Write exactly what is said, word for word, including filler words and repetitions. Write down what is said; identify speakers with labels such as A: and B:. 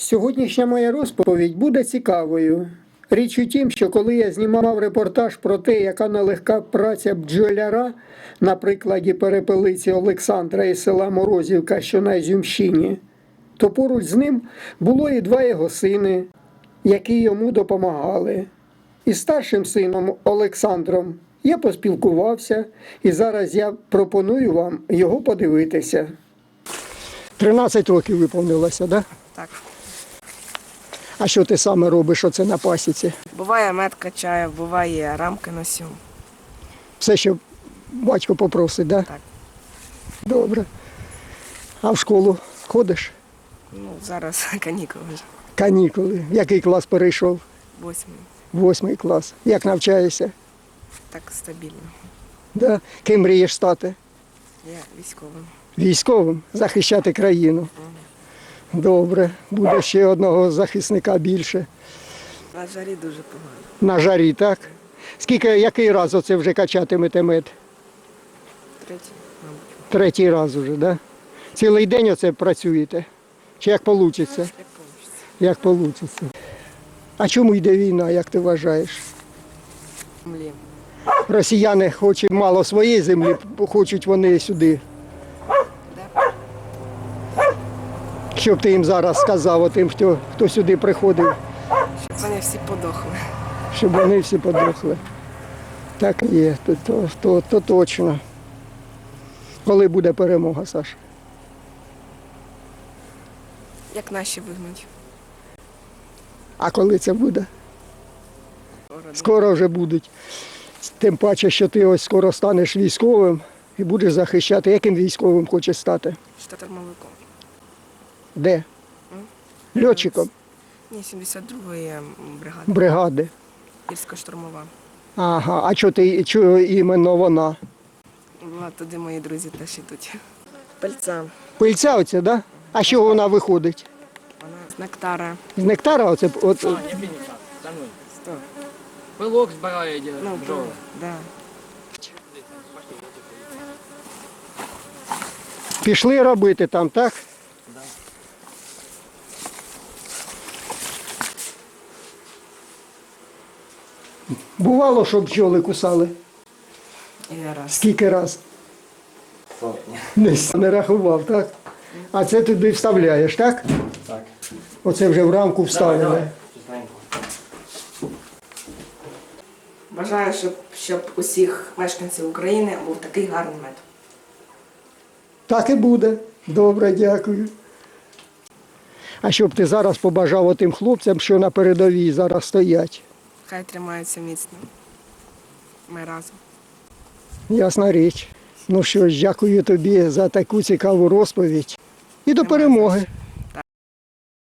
A: Сьогоднішня моя розповідь буде цікавою. Річ у тім, що коли я знімав репортаж про те, яка нелегка праця бджоляра, на прикладі перепелиці Олександра із села Морозівка, що на Ізюмщині, то поруч з ним було і два його сини, які йому допомагали. Із старшим сином Олександром я поспілкувався, і зараз я пропоную вам його подивитися. тринадцять років виповнилося, так?
B: Так.
A: А що ти саме робиш оце на пасіці?
B: Буває мед качаю, буває рамки носю.
A: Все, що батько попросить, так?
B: Так.
A: Добре. А в школу ходиш?
B: Ну, зараз канікули вже.
A: Канікули. Який клас перейшов?
B: Восьмий.
A: Восьмий клас. Як навчаєшся?
B: Так стабільно.
A: Да? Ким мрієш стати?
B: Я військовим.
A: Військовим? Захищати країну. Добре. Буде ще одного захисника більше.
B: На жарі дуже погано.
A: На жарі, так? Скільки, який раз оце вже качатимете мед?
B: Третій, мабуть.
A: Третій раз уже, так? Да? Цілий день оце працюєте? Чи як вийде?
B: Як вийде.
A: Як вийде. А чому йде війна, як ти вважаєш?
B: Землі.
A: Росіяни хочуть мало своєї землі, хочуть вони сюди.
B: Да?
A: Що б ти їм зараз сказав, тим, хто, хто сюди приходив,
B: Щоб вони всі подохли.
A: щоб вони всі подохли. Так і є, то, то, то, то точно. Коли буде перемога, Саша?
B: Як наші вигнуть.
A: А коли це буде? Скоро вже будуть. Тим паче, що ти ось скоро станеш військовим і будеш захищати. Яким військовим хочеш стати?
B: Штурмовиком.
A: Де? Льотчиком?
B: Ні, сімдесят другої бригади.
A: Бригади.
B: Гірсько-штурмова.
A: Ага, а чого ти чого іменно вона?
B: Була туди мої друзі теж ідуть. Пальця.
A: Пильця оця, так? Да? А що вона виходить?
B: Вона з нектара.
A: З нектара оце? От,
C: А, не бійся, за мною.
B: Сто.
C: Пилок збирає де
B: Ну,
C: бджоли.
B: да.
A: Пішли робити там, так?
C: Да.
A: Бувало, що бджоли кусали?
B: І раз.
A: Скільки раз?
C: Сотня.
A: Не, не рахував, так? А це туди вставляєш, так?
C: Так.
A: Оце вже в рамку вставили.
C: Чистенько.
B: Бажаю, щоб, щоб усіх мешканців України був такий гарний мед.
A: Так і буде. Добре, дякую. А що б ти зараз побажав тим хлопцям, що на передовій зараз стоять?
B: Хай тримаються міцно. Ми разом.
A: Ясна річ. Ну що ж, дякую тобі за таку цікаву розповідь. І до перемоги.